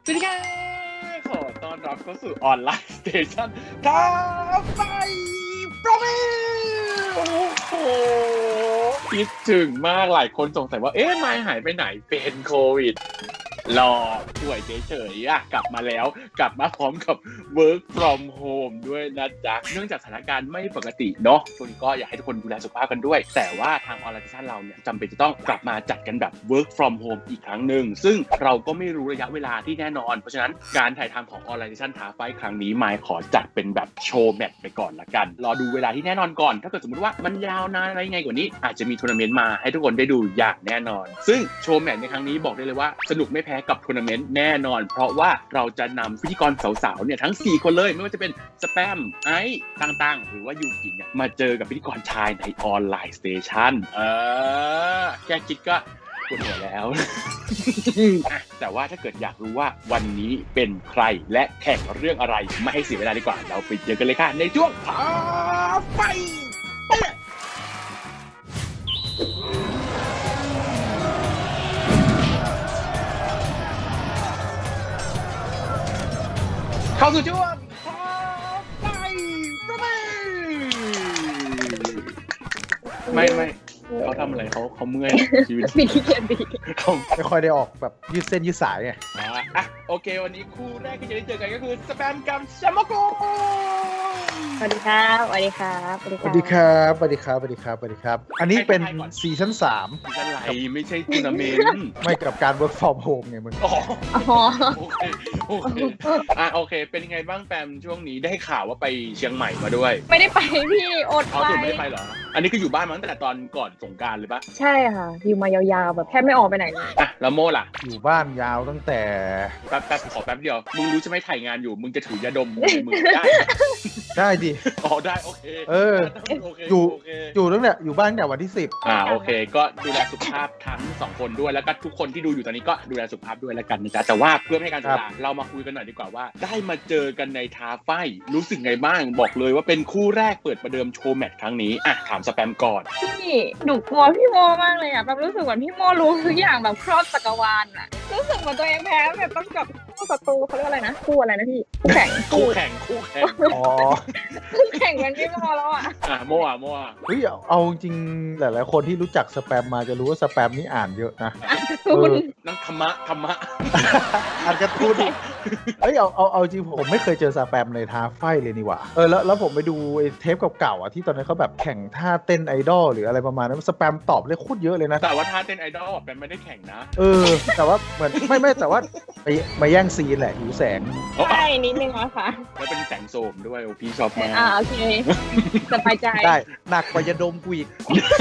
สวัสดีครับขอต้อนรับเข้าสู่ออนไลน์สเตชันท้าไฟโปรเมโอ้โหคิดถึงมากหลายคนสงสัยว่าไมค์หายไปไหนเป็นโควิดรอป่วยเฉยๆกลับมาแล้วกลับมาพร้อมกับ work from home ด้วยนะจ๊ะเนื่องจากสถานการณ์ไม่ปกติเนาะช่วงนี้ก็อยากให้ทุกคนดูแลสุขภาพกันด้วยแต่ว่าทางออนไลน์เราเนี่ยจำเป็นจะต้องกลับมาจัดกันแบบ work from home อีกครั้งหนึ่งซึ่งเราก็ไม่รู้ระยะเวลาที่แน่นอนเพราะฉะนั้นการถ่ายทำของออนไลน์ท้าไฟครั้งนี้มายขอจัดเป็นแบบโชว์แมตช์ไปก่อนละกันรอดูเวลาที่แน่นอนก่อนถ้าเกิดสมมติว่ามันยาวนานอะไรไงกว่านี้อาจจะมีทัวร์นาเมนต์มาให้ทุกคนได้ดูอย่างแน่นอนซึ่งโชว์แมตช์ในครั้งนี้บอกได้เลยว่าสนุกไม่แพ้กับทัวร์นาเมนต์แน่นอนเพราะว่าเราจะนำพิธีกรสาวๆเนี่ยทั้ง4คนเลยไม่ว่าจะเป็นสแปมไอซ์ตั้งๆหรือว่ายูกิเนี่ยมาเจอกับพิธีกรชายในออนไลน์สเตชันแค่คิดก็ปวดหัวแล้ว แต่ว่าถ้าเกิดอยากรู้ว่าวันนี้เป็นใครและแข่งเรื่องอะไรไม่ให้เสียเวลาดีกว่าเราไปเจอกันเลยค่ะในช่วงท้าไฟเข้าสู่ช่วงท้าไฟประเมไม่เขาทำอะไรเขาเมื่อยชีวิตมีที่เกียนดีเขาไม่ค่อยได้ออกแบบยืดเส้นยืดสายไงโอเควันนี้คู่แรกที่จะได้เจอกันก็คือสแปมกับแชมโมโกสวัสดีครับสวัสดีครับสวัสดีสวัสดีครับสวัสดีครับสวัสดีครับสวัสดีครับอันนี้เป็นซีซั่น3 ซีซั่นไรไม่ใช่ทัวร์นาเมนต์ไม่กับการ work from home ไงมึงโอเคเป็นยังไงบ้างแปมช่วงนี้ได้ข่าวว่าไปเชียงใหม่มาด้วยไม่ได้ไปพี่อดไปไม่ได้ไปเหรออันนี้คืออยู่บ้านมาตั้งแต่ตอนก่อนสงกรานต์เลยปะใช่ค่ะอยู่มายาวๆแบบแทบไม่ออกไปไหนเลยแล้วโม่ล่ะอยู่บ้านยาวตั้งแต่แป๊บขอแป๊บเดียวมึงรู้ใช่ไหมถ่ายงานอยู่มึงจะถือยาดมในมือได้ดิได้โอเคอยู่ตั้งแต่อยู่บ้านตั้งแต่วันที่10 โอเคก็ดูแลสุขภาพทั้ง2คนด้วยแล้วก็ทุกคนที่ดูอยู่ตอนนี้ก็ดูแลสุขภาพด้วยแล้วกันนะจ๊ะแต่ว่าเพื่อไม่ให้การเวลาเรามาคุยกันหน่อยดีกว่าว่าได้มาเจอกันในท้าไฟรู้สึกไงบ้างบอกเลยว่าเป็นคู่แรกเปิดประเดิมโชว์แมตช์ครั้งนี้ถามสแปมก่อนพี่หนูกลัวพี่โมมากเลยแบบรู้สึกเหมือนพี่โมรู้ทุกอย่างแบบครอบจักรวาลรู้สึกเหมือนตัวเองแพ้แบบต้องกับคู่ศัตรูเขาเรียกอะไรนะคู่อะไรนะพี่คู่แข่งคู่แข่งกันพี่โมแล้วโมเฮ้ยเอาจริงหลายๆคนที่รู้จักสแปมมาจะรู้ว่าสแปมนี่อ่านเยอะนะนั่งธรรมะอ่านการ์ตูนเอ้ยเอาจริงผมไม่เคยเจอสแปมในท้าไฟเลยนี่หว่าแล้วผมไปดูเทปเก่าๆที่ตอนนั้นเขาแบบแข่งท่าเต้นไอดอลหรืออะไรประมาณนั้นสแปมตอบเลยโคตรเยอะเลยนะแต่ว่าท่าเต้นไอดอลแปมไม่ได้แข่งนะแต่ว่าเหมือนไม่แต่ว่ามาแย่งซีนแหละหิวแสงใช่นิดนึงนะคะแล้วเป็นแสงโสมด้วยพี่ชอบมากโอเคสบายใจได้หนักกว่ายาดมกูอีก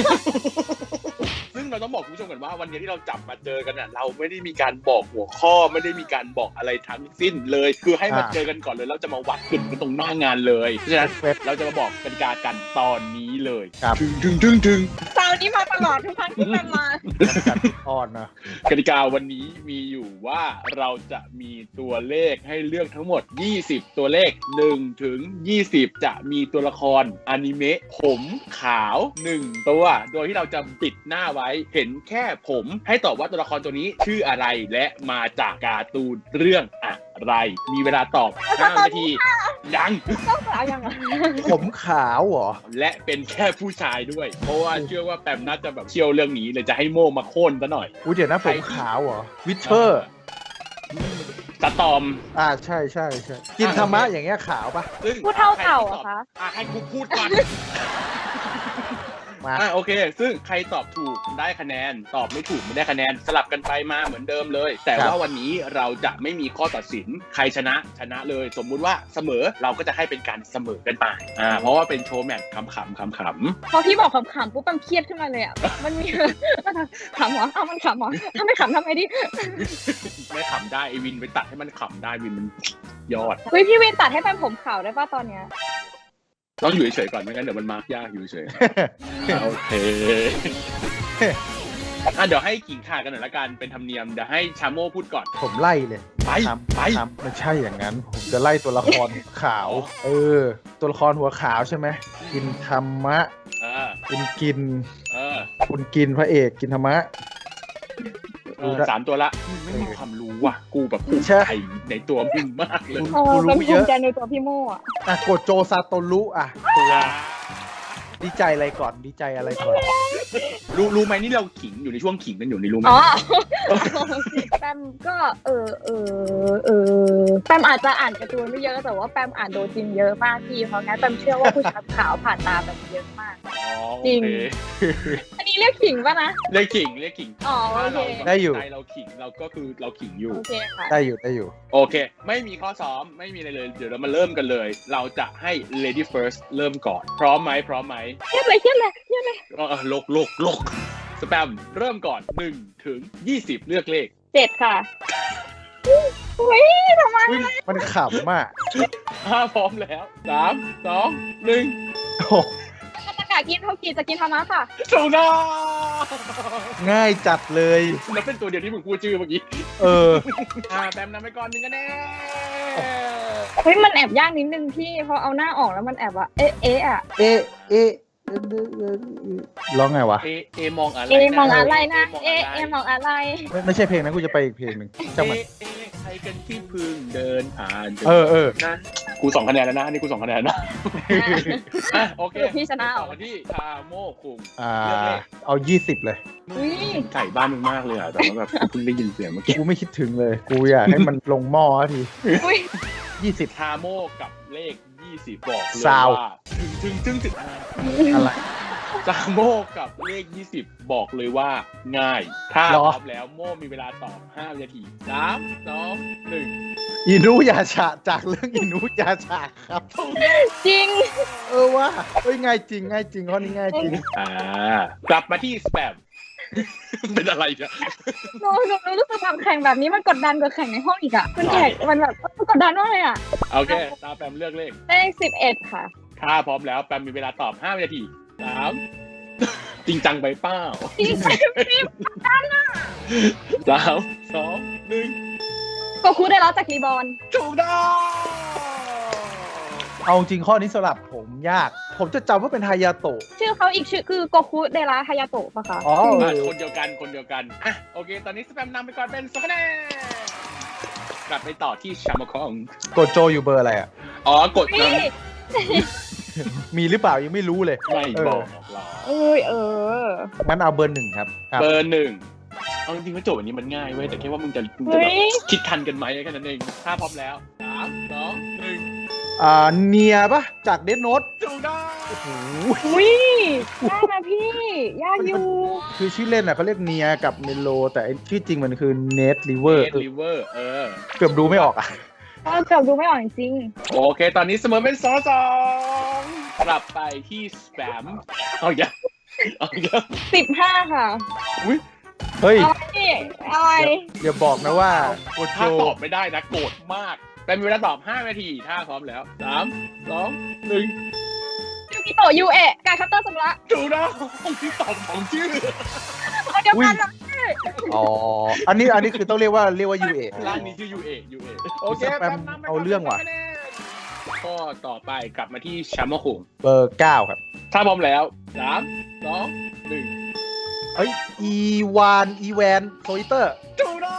ซึ่งเราต้องบอกคุณผู้ชมกันว่าวันนี้ที่เราจับมาเจอกันเราไม่ได้มีการบอกหัวข้อไม่ได้มีการบอกอะไรทั้งสิ้นเลยคือให้มาเจอกันก่อนเลยแล้วจะมาวัดกันตรงหน้างานเลยเพราะฉะนั้นเราจะมาบอกกติกากันตอนนี้เลยถึงเสาร์นี้มาตลอดทุกครั้งที่มาอ่อนนะกติกาวันนี้มีอยู่ว่าเราจะมีตัวเลขให้เลือกทั้งหมด20ตัวเลข1ถึง20จะมีตัวละครอนิเมะผมขาว1ตัวโดยที่เราจะปิดหน้าไว้เห็นแค่ผมให้ตอบว่าตัวละครตัวนี้ชื่ออะไรและมาจากการ์ตูนเรื่องอะไรมีเวลาตอบ5 นาทียังผมขาวเหรอและเป็นแค่ผู้ชายด้วยเพราะว่าเชื่อว่าแปมน่าจะแบบเชี่ยวเรื่องนี้เลยจะให้โม่มาโค่นซะหน่อยเดี๋ยวนะผมขาวเหรอวิเทอร์สตอมใช่กินธรรมะอย่างเงี้ยขาวปะพูดเท่าเต่าอะคะให้กูพูดก่อนโอเคซึ่งใครตอบถูกได้คะแนนตอบไม่ถูกไม่ได้คะแนนสลับกันไปมาเหมือนเดิมเลยแต่ว่าวันนี้เราจะไม่มีข้อตัดสินใครชนะเลยสมมุติว่าเสมอเราก็จะให้เป็นการเสมอกันไปเพราะว่าเป็นโชว์แมตช์ขำพอพี่บอกขำปุ๊บปั๊มเครียดขึ้นมาเลยมันมีขำเหรอมันขำเหรอถ้าไม่ขำทำไงดิไม่ขำได้ไอวินไปตัดให้มันขำได้วินมันยอดพี่วินตัดให้เป็นผมขาวได้ป่ะตอนเนี้ยต้องอยู่เฉยๆก่อนไม่งั้นเดี๋ยวมันมาร์กยากอยู่เฉยโอเคเดี๋ยวให้กิ่งข่ากันหน่อยละกันเป็นธรรมเนียมเดี๋ยวให้ชาโม่พูดก่อนผมไล่เลยไปไม่ใช่อย่างนั้นผมจะไล่ตัวละครขาวตัวละครหัวขาวใช่ไหมกินธรรมะคุณกินพระเอกกินธรรมะสามตัวละมึงไม่มีความรู้ว่ะกูแบบภูมิใจในตัวมึงมากเลยเป็นภูมิใจในตัวพี่โม่อะอ่ะโกโจซาโตรุอ่ะตัวดีใจอะไรก่อนดีใจอะไรก่อนรู้ไหมนี่เราขิงอยู่ในช่วงขิงกันอยู่ในรู้ไหมอ๋อแปมก็แปมอาจจะอ่านการ์ตูนไม่เยอะแต่ว่าแปมอ่านโดจินเยอะมากพี่เพราะงั้นแปมเชื่อว่าผู้ชายขาวผ่านตาแปมเยอะมาก จริง อันนี้เรียกขิงป่ะนะเรียกขิงอ๋อโอเคได้อยู่ใจเราขิงเราก็คือเราขิงอยู่โอเคค่ะได้อยู่โอเค ไม่มีข้อซ้อมไม่มีอะไรเลยเดี๋ยวเรามาเริ่มกันเลย เราจะให้ lady first เริ่มก่อนพร้อมไหมเครียดเลยลกสแปมเริ่มก่อน1 ถึง 20เลือกเลข 7ค่ะอุ้ยทำไมมันขำมาก 5พร้อมแล้ว3 2 1 โอ้ประกาศกินเท่ากีจะกินธรรมะค่ะถูกต้องง่ายจัดเลยแล้วเป็นตัวเดียวที่มึงพูดชื่อเมื่อกี้เออแปมนำไปก่อน1 คะแนนเฮ้ยมันแอบยากนิดนึงพี่พอเอาหน้าออกแล้วมันแอบว่าอะเอะร้องไงวะเอมองอะไรมองอะไรนะมองอะไรไม่ใช่เพลงนั้นกูจะไปอีกเพลงหนึ่งจังมันใครกันที่เพึ่งเดินผ่านเออนั้นกู2 คะแนนแล้วนะนี่กู2 คะแนนนะโอเคพี่ชนะต่อที่ทาโมคุงเอา20เลยอุ้ยไก่บ้านมึงมากเลยอ่ะแต่ว่าแบบเพิ่งได้ยินเสียงเมื่อกี้กูไม่คิดถึงเลย กูอยากให้มันลงหม้อทีอุ้ย 20 ทาโมกับเลข20บอกเลยซาวว่าถึงอะไรทาโมกับเลข20บอกเลยว่าง่าย ถ้าหรพอร้อมแล้วโมมีเวลาตอบ5 วินาที3 2 1 อินุยาชะจากเรื่องอินุยาชะครับจริงว่าเอ้ยง่ายจริงข้อนี้ง่ายจริงกลับมาที่สแปม เป็นอะไรเนี่ยหนูรู้สึกทำแข่งแบบนี้มันกดดันกว่าแข่งในห้องอีกอะมันแข่งมันแบบกดดันมากเลยอะโอเคตามแปมเลือกเลขเลข11ค่ะถ้าพร้อมแล้วแปมมีเวลาตอบ5 วินาที3 จริงจังไปเป้าจริงพี่ 3 2 1 โกคูได้รับจากรีบอลถูกต้องเอาจริงข้อนี้สำหรับผมยาก ผมจะจำว่าเป็นฮายาโตะชื่อเขาอีกชื่อคือโกคูเดระฮายาโตะปะคะอ๋อคนเดียวกันอ่ะโอเค ตอนนี้สแปมนำไปก่อนเป็น2 คะแนนกลับไปต่อที่ชามาคองกดโจอยู่เบอร์อะไรอ่ะอ๋อกดพี่มีหรือเปล่ายังไม่รู้เลยไม่บอกหรองั้นเอาเบอร์ 1ครับเบอร์ 1เอาจริงๆว่าโจทย์วันนี้มันง่ายเว้ยแต่แค่ว่ามึงจะเฮ้ยคิดทันกันไหมแค่นั้นเองถ้าพร้อมแล้ว3 2 เนียปะจากเดนโนต 1ถูกต้องโอ้โหอุ้ยยากนะพี่ยากอยู่คือชื่อเล่นอ่ะเขาเรียกเนียกับเมโล แต่ชื่อจริงมันคือเนทริเวอร์ลิเวอร์เกือบดูไม่ออกอ่ะเกือบดูไม่ออกจริงโอเค ตอนนี้เสมอเป็น2-2กลับไปที่สแปมเอาอย่าง 15ค่ะอุ้ยเฮ้ยอะไรอย่าบอกนะว่าโกโจถ้าตอบไม่ได้นะโกรธมาก แต่มีเวลาตอบ5 นาที ถ้าพร้อมแล้ว3 2 1 ยูกิโตะยูเอะการคัตเตอร์สมุระถูกต้องที่ตอบของชื่อเอาเดียวกันนะอ๋อ อันนี้คือต้องเรียกว่ายูเอร้านนี้ชื่อ UA โอเคสแปมเอาเรื่องว่ะข้อต่อไปกลับมาที่ชัมเมอร์คุงเบอร์ 9 ครับถ้าพร้อมแล้ว3 2 1 เฮ้ย อีแวนโซอิเตอร์ถูกต้อง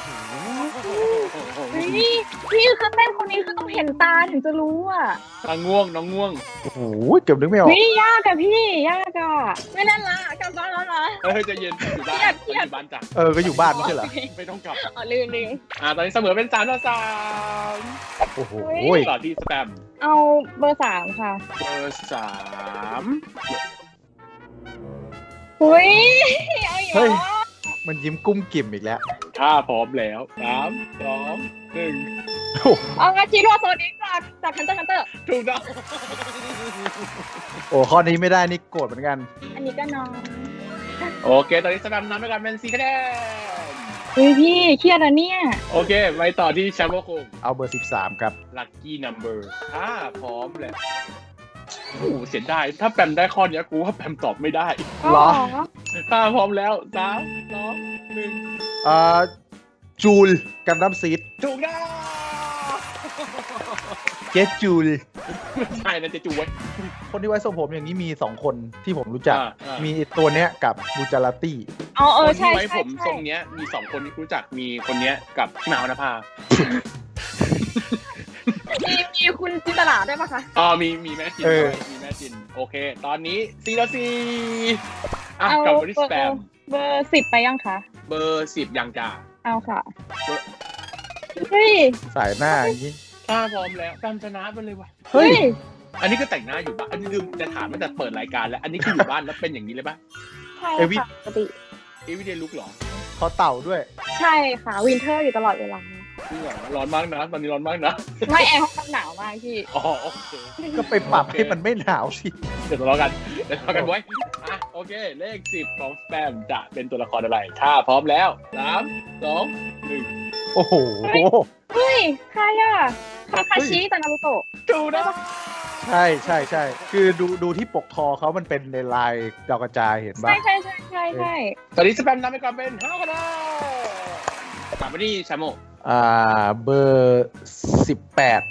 นี่พี่คือเต้นคนนี้คือต้องเห็นตาถึงจะรู้อ่ะน้องง่วงโอ้โห เกือบนึกไม่ออกนี่ยากอะพี่ยากอะไม่เล่นละกลับบ้านแล้วนะจะเย็นอยู่บ้านเครียดอยู่บ้านจ้ะก็อยู่บ้านไม่ใช่เหรอไม่ต้องกลับอ๋อลืมตอนนี้เสมอเป็น3-3 โอ้โหต่อที่สแปมเอาเบอร์3ค่ะเบอร์3 อุ้ยเอาอีกเฮ้ยแล้วมันยิ้มกุ้มกิ่มอีกแล้วถ้าพร้อมแล้ว3 2 1 โอ้เอางาชิโร่โซนิกจากคันเตอร์ถูกต้องโหข้อนี้ไม่ได้นี่โกรธเหมือนกันอันนี้ก็น้องโอเค ตอนนี้สแปมนำไปก่อนเป็น4 คะแนนเฮ้ยพี่เครียดอะเนี่ยโอเค ไปต่อที่แชมป์โลกคงเอาเบอร์ 13 ครับลัคกี้นัมเบอร์ถ้าพร้อมแล้วโอ้โหเสียดายถ้าแปมได้ข้อนี้กูว่าแปมตอบไม่ได้เหรอถ้าพร้อมแล้ว3 2 จูลกันดั้มซีด 1ถูกต้องเจจูลไม่ใช่นะเจะจูไว้คนที่ไว้ทรงผมอย่างนี้มี 2 คนที่ผมรู้จักอ่ามีตัวเนี้ยกับบูจาราตี้ออ๋อคนใช่ที่ไว้ใช่ผมใช่ทรงเนี้ยมี2 คนที่รู้จักมีคนเนี้ยกับพี่หมาวรรณภามีคุณจินตลาด้วยปะคะอ๋อมีแม่จินด้วยมีแม่จินโอเค ตอนนี้4-4อ่ะเอากลับมาที่สแปมเบอร์10ไปยังคะเบอร์10ยังจ่าเอาค่ะเฮ้ยสายหน้าอย่างนี้ถ้าพร้อมแล้วแปมชนะไปเลยว่ะเฮ้ยอันนี้ก็แต่งหน้าอยู่บ้านอันนี้ลืมจะถามตั้งแต่เปิดรายการแล้ว อันนี้คืออยู่บ้านแล้วเป็นอย่างนี้เลยป่ะใช่เอวิค่ะปกติ everyday look หรอคอเต่าด้วยใช่ค่ะวินเทอร์อยู่ตลอดเวลาจริงเหรอร้อนมากนะตอนนี้ร้อนมากนะไม่แอร์ห้องหนาวมากพี่อ๋อโอเคก็ไปปรับให้มันไม่หนาวสิเดี๋ยวทะเลาะกันไว้อ่ะโอเค เลข10ของสแปมจะเป็นตัวละครอะไร ถ้าพร้อมแล้ว3 2 1 โอ้โหเฮ้ยใครอะคาคาชิจากนารูโตะดูนะใช่คือดูที่ปกคอเขามันเป็นในลายดาวกระจายเห็นปะใช่ตอนนี้สแปมนำไปก่อนเป็น5 คะแนนกลับมาที่ชาโมเบอร์18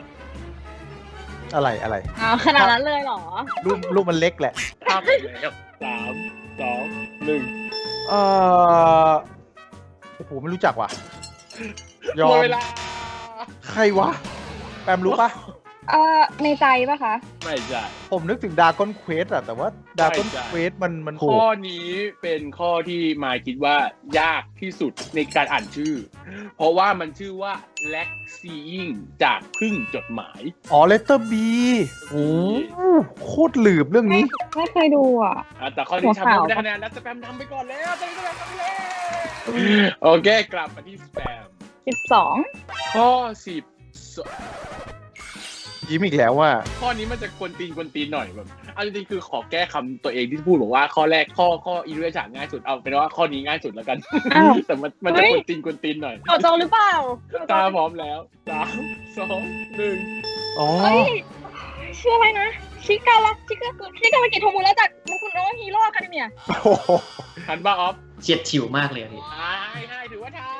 อะไรอ๋อขนาดนั้นเลยเหรอรูปมันเล็กแหละภาพไปแล้ว3 2 1 โอ้โหไม่รู้จักว่ะ ยอหมดมเวลาใครวะ แปมรู้ปะในใจปะคะไม่ใช่ผมนึกถึงดากอนเควสอะแต่ว่าดากอนใช่เควสมันข้อนี้เป็นข้อที่มายคิดว่ายากที่สุดในการอ่านชื่อ เพราะว่ามันชื่อว่า Lack Seeing จากพึ่งจดหมายอ๋อเลตเตอร์บีโอ้โคตรหลืบเรื่องนี้ไม่เคยดูอ่ะแต่ข้อนี้หัวชาขาวโมได้คะแนนแล้วสแปมทำไปก่อนแล้วตอนนี้สแปมทำไปแล้วโอเค กลับมาที่สแปม 12 ข้อ10 ยิ้มอีกแล้วว่าข้อนี้มันจะกวนตีนหน่อยแบบเอาจริงๆคือขอแก้คำตัวเองที่พูดบอกว่าข้อแรกข้ออินเวชั่นง่ายสุดเอาเป็นว่าข้อนี้ง่ายสุดแล้วกันอ้าวแต่มันจะกวนตีนหน่อยโตหรือเปล่าตาพร้อมแล้ว3 2 1 อ๋อเฮ้ยชื่ออะไรนะชิกากิโทมุระจากมุคุโนะฮีโร่อะคาเดเมียโอ้โหทันบ้าออฟเฉียดฉิวมากเลยอะพี่ให้ถือว่าทัน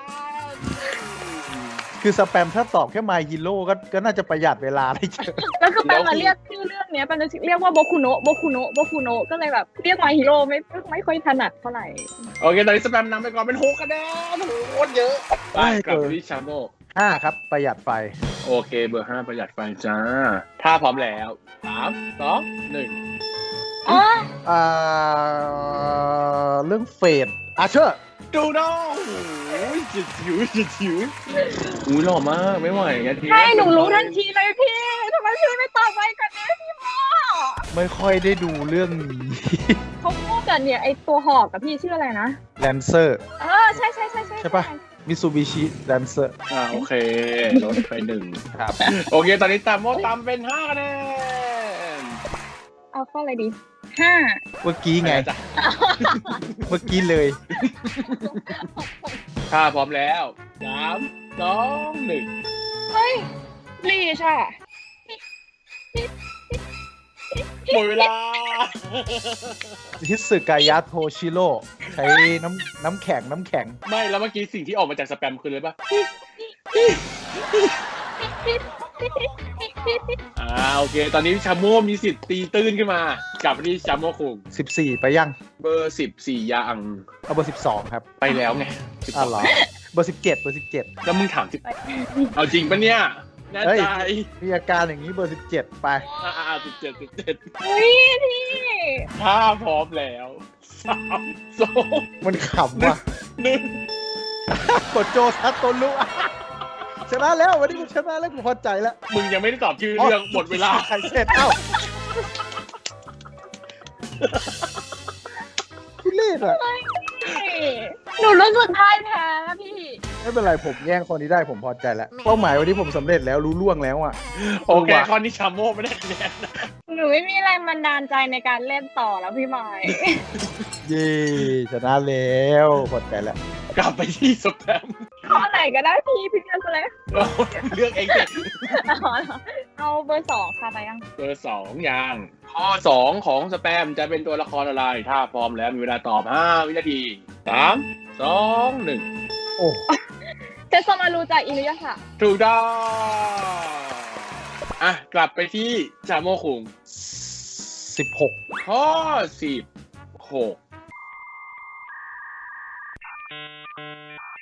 คือสแปมถ้าตอบแค่ My Hero ก็น่าจะประหยัดเวลาได้เยอะแล้วคือแปลมาเรียกชื่อเรื่องเนี้ยแปลจะเรียกว่าโบคุโนะก็เลยแบบเรียกมาฮีโร่ไม่ค่อยถนัดเท่าไหร่โอเคตอนนี้สแปมนำไปก่อนเป็น6 คะแนนโคตรเยอะไปกลับไปที่ชาโม 5 ครับ ประหยัดไฟโอเคเบอร์ 5 ประหยัดไฟจ้า ถ้าพร้อมแล้ว3 2 1 อ๋อเรื่องเฟดอาเชอร์ดูน้องโอ้ยจิ๋วอุ้ยหล่อมากไม่ไหวงั้นทีใช่หนูรู้ทันทีเลยพี่ทำไมพี่ไม่ตอบไปกันเนี่ยพี่พ่อไม่ค่อยได้ดูเรื่องนี้เขาพูดกันเนี่ยไอตัวหอกกับพี่ชื่ออะไรนะแลนเซอร์ใช่ใช่ปะ มิซูบิชิแลนเซอร์โอเคลดไป1 ครับโอเค ตอนนี้ตามโมตามเป็น5 คะแนนเอาข้ออะไรดี5 เมื่อกี้ไงจ้ะเมื่อกี้เลยถ้าพร้อมแล้ว3 2 1 เฮ้ยลีชอ่ะหมดเวลาฮิสึกายะโทชิโร่ใช้น้ำแข็งไม่แล้วเมื่อกี้สิ่งที่ออกมาจากสแปมคืออะไรปะโอเค ตอนนี้ชาโม่มีสิทธิ์ตีตื้นขึ้นมากลับไปที่ชาโม่คุง 14 ไปยังเบอร์14ยังเอาเบอร์ 12 ครับไปแล้วไงอ้าวเหรอ เบอร์ 17 เบอร์แล้วมึงถามเอาจริงปะเนี่ยแน่เฮ้ยใจ 17 มีอาการอย่างนี้เบอร์ 17 ไป 17 เฮ้ยพี่ถ้าพร้อมแล้ว3 2 มันขำว่ะ 1 กดโจซัตโตลุชนะแล้ววันนี้กูชนะแล้วกูพอใจแล้วมึงยังไม่ได้ตอบชื่อเรื่องหมดเวลาใครเสร็จเอ้าทุเล่นอ่ะหนูรู้สึกพ่ายแพ้พี่ไม่เป็นไรผมแย่งคนนี้ได้ผมพอใจแล้วเป้าหมายวันนี้ผมสำเร็จแล้วรู้ล่วงแล้วอ่ะโอเคข้อนี้ชาโม่ไม่ได้คะแนนนะหนูไม่มีแรงบันดาลใจในการเล่นต่อแล้วพี่ไม้เย้ชนะแล้วพอใจแล้วกลับไปที่สแปมข้อไหนก็ได้พี่เลือกเลยเลือกเองเถอะเอาเบอร์2ค่ะไปยังเบอร์2ยังข้อ2ของสแปมจะเป็นตัวละครอะไร ถ้าพร้อมแล้วมีเวลาตอบ5 วินาที3 2 1 โอ้เจสมารูจากอินุยะค่ะถูกต้องกลับไปที่ชาโมคุง 16 ข้อ16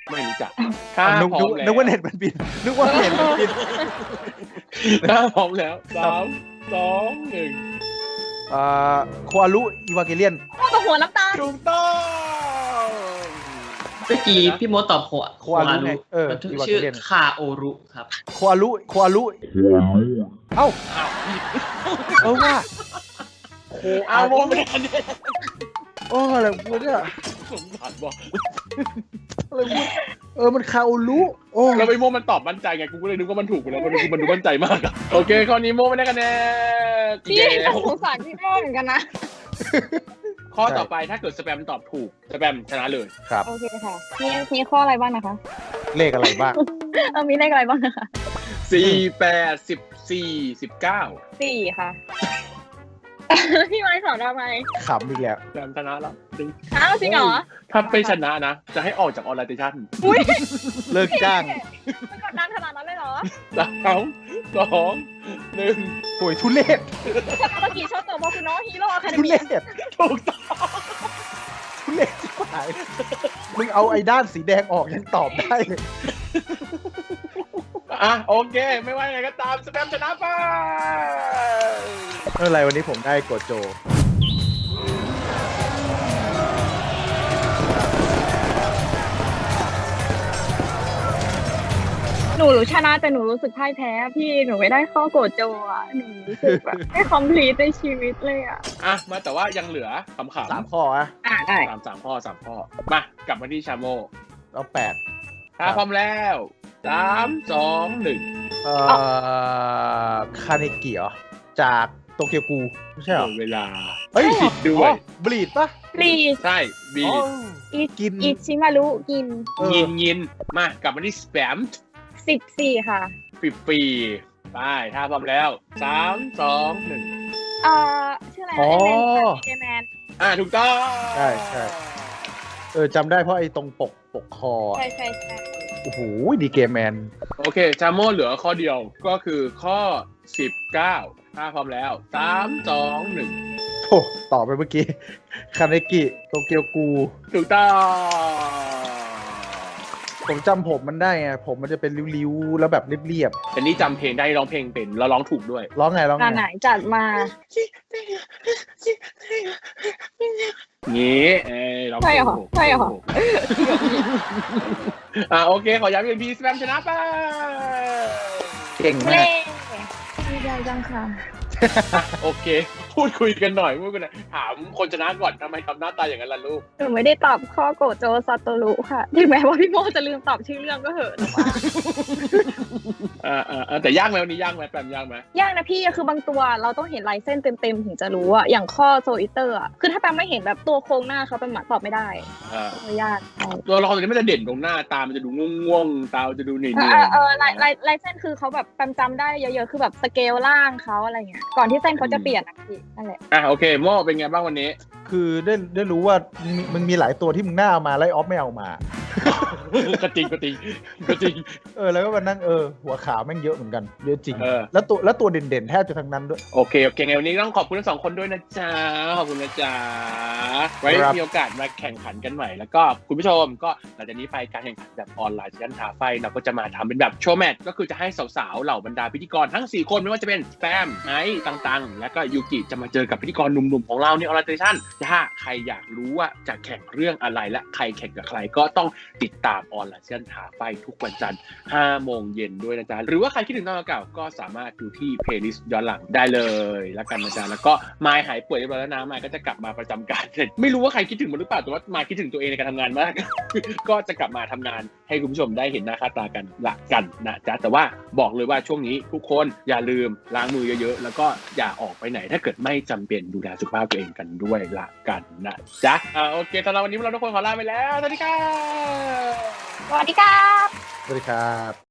ไม่รู้จักถ้านึกพร้อมแล้วนึกว่าเน็ตมันบินนึกว่าเน็ตมันบินถ้าพร้อมแล้ว3 2 1 โคอารุอีวาเกเลียนพ่อกับหัวน้ำตาลถูกต้องเมื่อกี้พี่โมตอบโคอารุไงมันอีวาเกชื่อเลียนคาโอรุครับโคอารุเอ้าอ้าวผิดว่าโคอ้าวโมไม่ได้คะแนนอะไรพูดเนี่ยสงสารบอกอะไรพูดมันคาโอรุโอ้แล้วไปโมมันตอบมั่นใจไงกูก็เลยนึกว่ามันถูกไปแล้วมันดูมั่นใจมากอะโอเคข้อนี้โมไม่ได้คะแนนพี่เย้สงสารพี่โม่เหมือนกันนะข้อต่อไปถ้าเกิดสแปมตอบถูกสแปมชนะเลยครับโอเคค่ะมีข้ออะไรบ้างนะคะเลขอะไรบ้างมีเลขอะไรบ้างนะคะ 4 8 14 19 4ค่ะ พี่ไม้สอนทำไมขำอีกแล้วแปมชนะแล้วจริงอ้าวจริงเหรอถ้าไม่ชนะนะ จะให้ออกจากออนไลน์เตชั่นอุ้ยเลิกจ้างมันกดดันขนาดนั้นเลยเหรอ 3 2 1 โอ้ยทุเรศเมื่อกี้ชอบตัวโมคุโนะฮีโร่อะคาเดทุมี่เรศถูกต้องทุเรศชิบหายมึงเอาไอ้ด้านสีแดงออกยังตอบได้เลยอ่ะโอเค ไม่ว่ายังไงก็ตามสแปมชนะไปไม่เป็นไรวันนี้ผมได้โกโจหนูชนะแต่หนูรู้สึกพ่ายแพ้พี่หนูไม่ได้ข้อโกรธโจอ่ะหนูรู้สึกแบบไม่คอมพลีทในชีวิตเลยอ่ะอ่ะมาแต่ว่ายังเหลือคำขำ 3 ข้ออะได้ 3 ข้อ 3 ข้อ มากลับมาที่ชาโมแล้ว8 ถ้าพร้อมแล้ว 3 2 1 คาเนกิเหรอจากโตเกียวกูไม่ใช่เหรอเวลาเฮ้ยผิดด้วยบลีดปะปลีสใช่บีกินอิชิมารุกินยินมากลับมาที่สแปม 14ค่ะปีไปถ้าพร้อมแล้ว 3 2 1 ชื่ออะไรอ๋อเอแมนถูกต้องใช่จำได้เพราะไอ้ตรงปกคออะใช่โอ้โหดีเกมแมนโอเคชาโมเหลือข้อเดียวก็คือข้อ 19 ถ้าพร้อมแล้ว 3 2 1 โถ่ตอบไปเมื่อกี้คาเนกิโตเกียวกูถูกต้องผมจำผมมันได้ไงผมมันจะเป็นริ้วๆ แล้วแบบเรียบแต่นี่จำเพลงได้ร้องเพลงเป็นแล้วร้องถูกด้วยๆร้องไงงานไหนจัดมางี้ร้องเพลงถูกใช่เหรอโอเคขอย้ำอีกทีสแปมชนะไปเก่งมาเล่กดีใจจังค่ะโอเค พูดคุยกันหน่อยถามคนชนะก่อนทำไมทำหน้าตาอย่างนั้นล่ะลูกหนูไม่ได้ตอบข้อโกรธโจซาโตรุค่ะถึงแม้ว่าพี่โมจะลืมตอบชื่อเรื่องก็เหอะหนูว่าแต่ยากไหมวันนี้ยากไหมแปมยากไหมยากนะพี่คือบางตัวเราต้องเห็นลายเส้นเต็มๆถึงจะรู้อะอย่างข้อโซอิเตอร์อะคือถ้าแปมไม่เห็นแบบตัวโครงหน้าเขาเป็นหมาตอบไม่ได้ยากตัวละครตัวนี้มันจะเด่นตรงหน้าตามันจะดูง่วงๆตามันจะดูเหนื่อยลายเส้นคือเขาแบบแปมจำได้เยอะๆคือแบบสเกลล่างเขาอะไรเงี้ยก่อนที่เส้นเขาจะเปลี่ยนนะพี่นั่นแหละโอเคโมเป็นไงบ้างวันนี้คือได้รู้ว่ามึงมีหลายตัวที่มึงน่าเอามาไล่ออฟไม่เอามาก็จริงแล้วก็มานั่งหัวขาวแม่งเยอะเหมือนกันเยอะจริงเออแล้วตัวเด่นๆแทบจะทั้งนั้นด้วยโอเคไงวันนี้ต้องขอบคุณทั้ง2 คนด้วยนะจ๊ะขอบคุณนะจ๊ะไว้ครับมีโอกาสมาแข่งขันกันใหม่แล้วก็คุณผู้ชมก็หลังจากนี้ไปการแข่งขันแบบออนไลน์ชั้นท้าไฟเราก็จะมาทำเป็นแบบโชว์แมตช์ก็คือจะให้สาวๆเหล่าบรรดาพิธีกรทั้ง4 คนไม่ว่าจะเป็นสแปมไอซ์ตังๆแล้วก็ยูกิจะมาเจอกับพิธีกรหนุ่มๆของเราในออนไลน์ชั่นถ้าใครอยากรู้ว่าจะแข่งเรื่องอะไรและใครแข่งกับใครก็ต้องติดตามออนไลน์ชั้นท้าไฟทุกวันจันทร์ 5 โมงเย็นด้วยนะจ๊ะหรือว่าใครคิดถึงตอนเก่าก็สามารถดูที่เพลย์ลิสต์ย้อนหลังได้เลยแล้วกันนะจ๊ะแล้วก็มายหายป่วยเรียบร้อยแล้วนะมายก็จะกลับมาประจำการไม่รู้ว่าใครคิดถึงมันหรือเปล่าแต่ว่ามายคิดถึงตัวเองในการทำงานมาก ก็จะกลับมาทำงานให้คุณผู้ชมได้เห็นหน้าค่าตากันละกันนะจ๊ะแต่ว่าบอกเลยว่าช่วงนี้ทุกคนอย่าลืมล้างมือเยอะๆแล้วก็อย่าออกไปไหนถ้าเกิดไม่จำเป็นดูแลสุขภาพตัวเองกันด้วยละกันนะจ๊ะโอเคสำหรับวันนี้เราทุกคนขอลาไปแล้วสวัสดีครับสวัสดีครับสวัสดีครับ